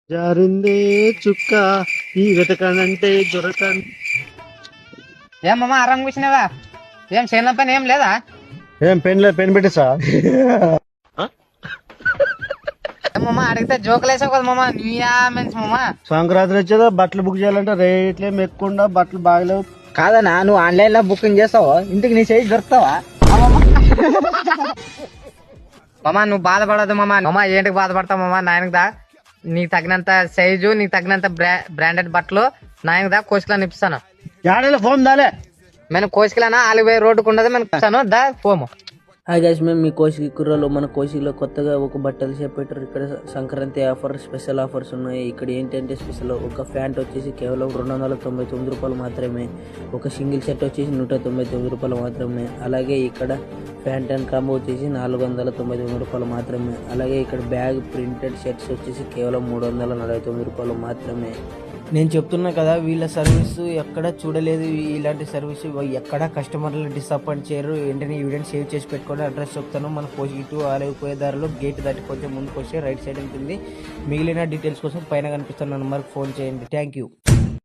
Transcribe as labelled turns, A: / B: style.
A: జారిందే చుక్క ఈ వెతకనంటే దొరకన్.
B: ఏమమ్మా ఆరాం కూర్చున్నావా? ఏం చేయడం పని ఏం లేదా?
A: ఏం పెన్ పెట్టేసా?
B: ఏమమ్మా అడిగితే జోకులేసావు కదా మామ. నీయా మంచి మామ.
A: సంక్రాంతి వచ్చేదా బట్టలు బుక్ చేయాలంటే రేట్లేం ఎక్కువ, బట్టలు బాగలేవు.
B: కాదన్నా, నువ్వు ఆన్లైన్ లో బుకింగ్ చేస్తావు, ఇంటికి నీ సైజ్ దొరుకుతావా? మామ నువ్వు బాధపడదు మామ. మామ ఏంటికి బాధపడతావు మామ? నాయనకి దా, నీకు తగినంత సైజు, నీకు తగినంత బ్రాండెడ్ బట్టలు నాయనకి దా, కోసికలా నిప్పిస్తాను.
A: యాడలో ఫోన్ దాలే,
B: మేము కోసికలానా 4000 రోడ్డుకు ఉండదు, మేము ఇస్తాను దా పోము.
C: హాయ్ గైస్, మేము మీ కోసికి కుర్రలో మన కోసిలో కొత్తగా ఒక బట్టలు షాప్ పెట్టారు. ఇక్కడ సంక్రాంతి ఆఫర్, స్పెషల్ ఆఫర్స్ ఉన్నాయి. ఇక్కడ ఏంటంటే స్పెషల్, ఒక ప్యాంట్ వచ్చేసి కేవలం 299 రూపాయలు మాత్రమే, ఒక సింగిల్ షర్ట్ వచ్చేసి 199 రూపాయలు మాత్రమే, అలాగే ఇక్కడ ప్యాంట్ అండ్ కాంబో వచ్చేసి 499 రూపాయలు మాత్రమే, అలాగే ఇక్కడ బ్యాగ్ ప్రింటెడ్ షర్ట్స్ వచ్చేసి కేవలం 349 రూపాయలు మాత్రమే. నేను చెప్తున్నా కదా, వీళ్ళ సర్వీస్ ఎక్కడ చూడలేదు. ఇలాంటి సర్వీస్ ఎక్కడ కస్టమర్లు డిసప్పాయింట్ చేయరు. వెంటనే ఈవెంట్ సేవ్ చేసి పెట్టుకోండి. అడ్రస్ చెప్తాను, మన కోసి ఇటు ఆలయపోయే దారిలో గేట్ దాటి కొంచెం ముందుకు వస్తే రైట్ సైడ్ ఉంటుంది. మిగిలిన డీటెయిల్స్ కోసం పైన కనిపిస్తున్న నెంబర్కి ఫోన్ చేయండి. Thank you.